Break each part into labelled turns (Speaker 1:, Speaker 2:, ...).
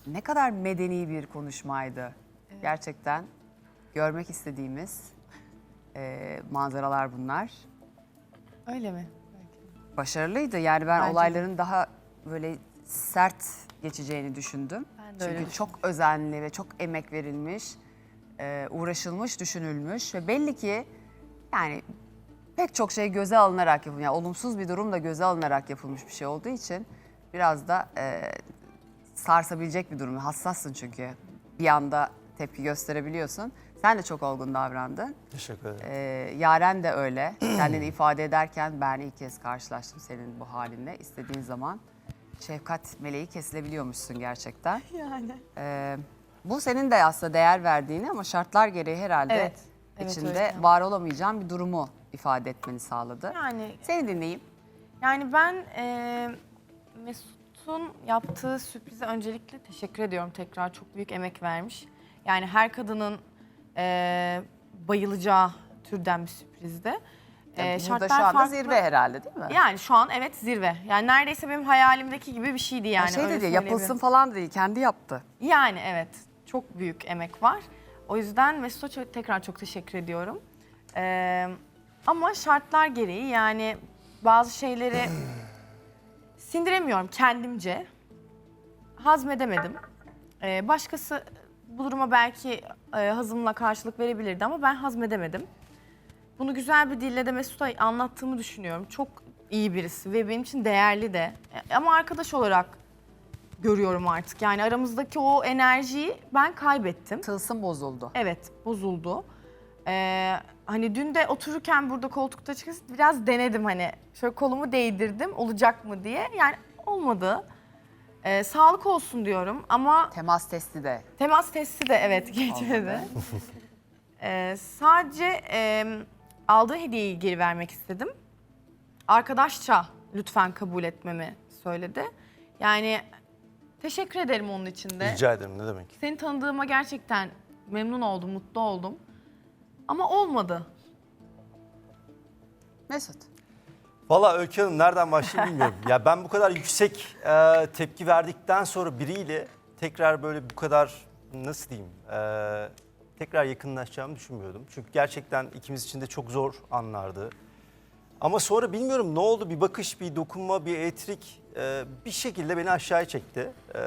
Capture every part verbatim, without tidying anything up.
Speaker 1: ne kadar medeni bir konuşmaydı. Evet. Gerçekten görmek istediğimiz e, manzaralar bunlar.
Speaker 2: Öyle mi?
Speaker 1: Başarılıydı. Yani ben
Speaker 2: Bence
Speaker 1: olayların
Speaker 2: de.
Speaker 1: daha böyle sert geçeceğini düşündüm.
Speaker 2: Ben de öyle
Speaker 1: Çünkü
Speaker 2: düşünüyorum.
Speaker 1: çok özenli ve çok emek verilmiş, e, uğraşılmış, düşünülmüş ve belli ki yani pek çok şey göze alınarak yapılmış. Yani olumsuz bir durum da göze alınarak yapılmış bir şey olduğu için biraz da e, sarsabilecek bir durum. Hassassın çünkü bir anda tepki gösterebiliyorsun. Sen de çok olgun davrandın.
Speaker 3: Teşekkür ederim.
Speaker 1: Ee, Yaren de öyle. Kendini ifade ederken ben ilk kez karşılaştım senin bu halinle. İstediğin zaman şefkat meleği kesilebiliyormuşsun gerçekten.
Speaker 2: Yani.
Speaker 1: Ee, bu senin de aslında değer verdiğini ama şartlar gereği herhalde
Speaker 2: Evet, evet,
Speaker 1: içinde
Speaker 2: öyle.
Speaker 1: var olamayacağın bir durumu ifade etmeni sağladı.
Speaker 2: Yani
Speaker 1: Seni dinleyeyim.
Speaker 2: yani ben e, Mesut'un yaptığı sürprize öncelikle teşekkür ediyorum tekrar. Çok büyük emek vermiş. Yani her kadının e, bayılacağı türden bir sürprizdi.
Speaker 1: Yani
Speaker 2: E,
Speaker 1: burada şu anda zirve herhalde değil mi?
Speaker 2: Yani şu an evet zirve. Yani neredeyse benim hayalimdeki gibi bir şeydi yani.
Speaker 1: Yani şey
Speaker 2: öyle
Speaker 1: dedi
Speaker 2: söyleyebilirim.
Speaker 1: yapılsın falan değil, kendi yaptı.
Speaker 2: Yani evet, çok büyük emek var. O yüzden Mesut'a çok- tekrar çok teşekkür ediyorum. Ee, ama şartlar gereği yani bazı şeyleri sindiremiyorum kendimce. Hazmedemedim. Ee, başkası bu duruma belki e, hazımla karşılık verebilirdi ama ben hazmedemedim. Bunu güzel bir dille de Mesut'a anlattığımı düşünüyorum. Çok iyi birisi ve benim için değerli de. E, Ama arkadaş olarak görüyorum artık. Yani aramızdaki o enerjiyi ben kaybettim.
Speaker 1: Tılsım bozuldu.
Speaker 2: Evet, bozuldu. Ee, hani dün de otururken burada koltukta çıkıp biraz denedim hani. Şöyle kolumu değdirdim olacak mı diye. Yani olmadı. Ee, sağlık olsun diyorum ama
Speaker 1: Temas testi de.
Speaker 2: temas testi de evet geçmedi. Ee, sadece e, aldığı hediyeyi geri vermek istedim. Arkadaşça lütfen kabul etmemi söyledi. Yani teşekkür ederim onun için de.
Speaker 3: Rica ederim, ne demek.
Speaker 2: Seni tanıdığıma gerçekten memnun oldum, mutlu oldum. Ama olmadı.
Speaker 1: Mesut.
Speaker 3: Valla Öykü Hanım nereden başlayayım bilmiyorum. Ya ben bu kadar yüksek e, tepki verdikten sonra biriyle tekrar böyle bu kadar nasıl diyeyim e, tekrar yakınlaşacağımı düşünmüyordum. Çünkü gerçekten ikimiz için de çok zor anlardı. Ama sonra bilmiyorum ne oldu, bir bakış, bir dokunma, bir etrik e, bir şekilde beni aşağıya çekti. E,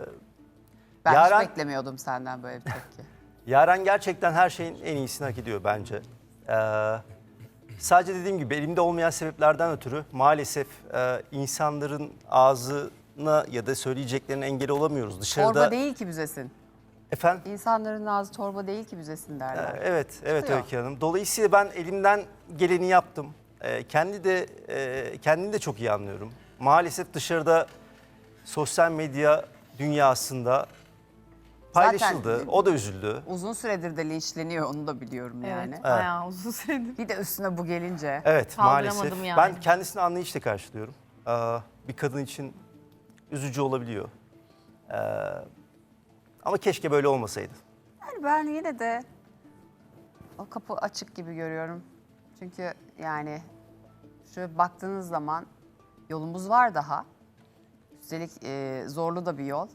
Speaker 1: Ben
Speaker 3: Yaren-
Speaker 1: hiç beklemiyordum senden böyle bir tepki.
Speaker 3: Yaren gerçekten her şeyin en iyisini hak ediyor bence. Ee, sadece dediğim gibi elimde olmayan sebeplerden ötürü maalesef e, insanların ağzına ya da söyleyeceklerine engel olamıyoruz. Dışarıda
Speaker 1: Torba değil ki büzesin.
Speaker 3: efendim.
Speaker 1: İnsanların ağzı torba değil ki büzesin derler.
Speaker 3: Ee, Evet, evet
Speaker 1: Çıkıyor.
Speaker 3: Öykü Hanım. Dolayısıyla ben elimden geleni yaptım. Ee, kendi de e, kendini de çok iyi anlıyorum. Maalesef dışarıda sosyal medya dünyasında paylaşıldı.
Speaker 1: Zaten-
Speaker 3: O da üzüldü.
Speaker 1: Uzun süredir de linçleniyor onu da biliyorum yani.
Speaker 2: Evet, bayağı uzun süredir.
Speaker 1: Bir de üstüne bu gelince.
Speaker 3: Evet,
Speaker 2: Kaldıramadım
Speaker 3: maalesef.
Speaker 2: yani.
Speaker 3: Ben kendisini anlayışla karşılıyorum. Ee, bir kadın için üzücü olabiliyor. Ee, ama keşke böyle olmasaydı.
Speaker 1: Yani ben yine de o kapı açık gibi görüyorum. Çünkü yani şöyle baktığınız zaman yolumuz var daha. Üstelik e, zorlu da bir yol.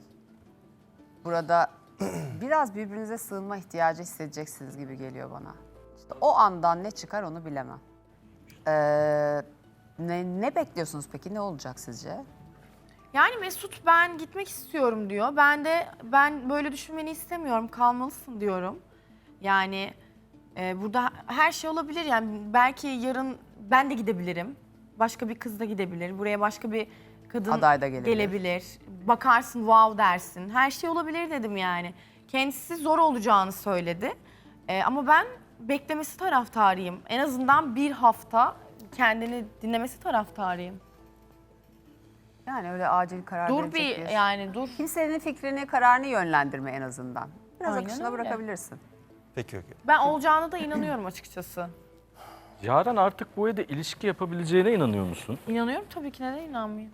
Speaker 1: Burada biraz birbirinize sığınma ihtiyacı hissedeceksiniz gibi geliyor bana. İşte o andan ne çıkar onu bilemem. Ee, ne, ne bekliyorsunuz peki? Ne olacak sizce?
Speaker 2: Yani Mesut ben gitmek istiyorum diyor. Ben de ben böyle düşünmeni istemiyorum. Kalmalısın diyorum. Yani e, burada her şey olabilir. Yani belki yarın ben de gidebilirim. Başka bir kız da gidebilir. Buraya başka bir kadın
Speaker 1: Aday da gelebilir.
Speaker 2: gelebilir. Bakarsın wow dersin. Her şey olabilir dedim yani. Kendisi zor olacağını söyledi. E, ama ben beklemesi taraftarıyım. En azından bir hafta kendini dinlemesi taraftarıyım.
Speaker 1: Yani öyle acil karar
Speaker 2: Dur
Speaker 1: verecek
Speaker 2: bir yani dur.
Speaker 1: Kimsenin fikrini, kararını yönlendirme en azından. Biraz
Speaker 2: Aynen
Speaker 1: akışına
Speaker 2: öyle.
Speaker 1: bırakabilirsin.
Speaker 3: Peki Öykü.
Speaker 2: Ben olacağına da inanıyorum açıkçası.
Speaker 4: Yaren artık bu evde ilişki yapabileceğine inanıyor musun?
Speaker 2: İnanıyorum tabii ki, neden inanmayayım?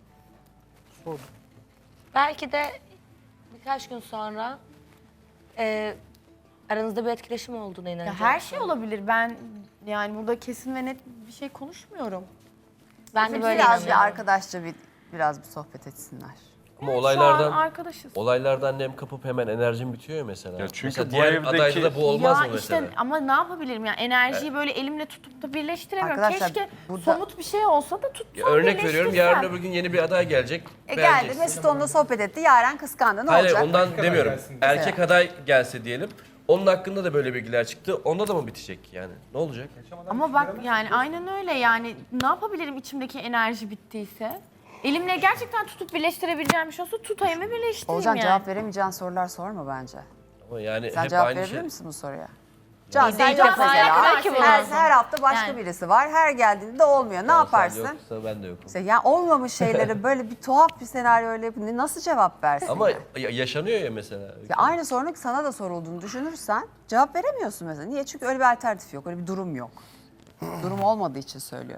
Speaker 5: Belki de birkaç gün sonra e, aranızda bir etkileşim olduğuna
Speaker 2: Ya
Speaker 5: inanacağım.
Speaker 2: her şey olabilir. Ben yani burada kesin ve net bir şey konuşmuyorum.
Speaker 5: Ben de böyle
Speaker 1: Biraz bir
Speaker 5: inanıyorum.
Speaker 1: arkadaşça bir biraz bir sohbet etsinler.
Speaker 6: Ama
Speaker 2: Şu
Speaker 6: olaylardan
Speaker 2: an arkadaşız.
Speaker 6: olaylardan nem kapıp hemen enerjin bitiyor ya mesela.
Speaker 4: Ya çünkü
Speaker 6: mesela
Speaker 4: bu
Speaker 6: diğer
Speaker 4: evdeki-
Speaker 6: adayda da bu olmaz
Speaker 2: ya
Speaker 6: mı mesela?
Speaker 2: işte ama ne yapabilirim yani enerjiyi böyle elimle tutup da birleştiremiyorum.
Speaker 1: Arkadaşlar,
Speaker 2: Keşke
Speaker 1: burada-
Speaker 2: somut bir şey olsa da tutsam
Speaker 6: Ya örnek veriyorum,
Speaker 2: birleştirsem.
Speaker 6: yarın öbür gün yeni bir aday gelecek.
Speaker 1: E geldi
Speaker 6: beğeneceksin.
Speaker 1: Mesut onunla sohbet etti. Yaren kıskandı. Ne
Speaker 6: Hayır
Speaker 1: olacak?
Speaker 6: ondan demiyorum.
Speaker 7: gelsin.
Speaker 6: Erkek aday gelse diyelim. Onun hakkında da böyle bilgiler çıktı. Onda da mı bitecek yani? Ne olacak?
Speaker 2: Ama bak yani aynen öyle yani ne yapabilirim içimdeki enerji bittiyse? Elimle gerçekten tutup birleştirebileceğim bir şey olsa tutayım ve birleştireyim
Speaker 1: Olcan
Speaker 2: yani.
Speaker 1: cevap veremeyeceğin sorular sorma bence.
Speaker 6: Ama yani
Speaker 1: Sen
Speaker 6: hep
Speaker 1: cevap
Speaker 6: aynı
Speaker 1: verebilir
Speaker 6: şey.
Speaker 1: misin bu soruya? Can
Speaker 2: Bir
Speaker 1: sen
Speaker 2: de
Speaker 1: yok
Speaker 2: ilk defa
Speaker 1: mesela.
Speaker 2: yapmak ki bu
Speaker 1: Her,
Speaker 2: lazım.
Speaker 1: her hafta başka
Speaker 2: Yani.
Speaker 1: birisi var. Her geldiğinde de olmuyor. Ne
Speaker 6: Sen
Speaker 1: yaparsın?
Speaker 6: yoksa ben de yokum.
Speaker 1: İşte yani olmamış şeylere böyle bir tuhaf bir senaryoyla yapın- nasıl cevap versin?
Speaker 6: Ama
Speaker 1: ya?
Speaker 6: ya- yaşanıyor ya mesela.
Speaker 1: Ya aynı sorunun sana da sorulduğunu düşünürsen cevap veremiyorsun mesela. Niye? Çünkü öyle bir alternatif yok, öyle bir durum yok. Durum olmadığı için söylüyorum.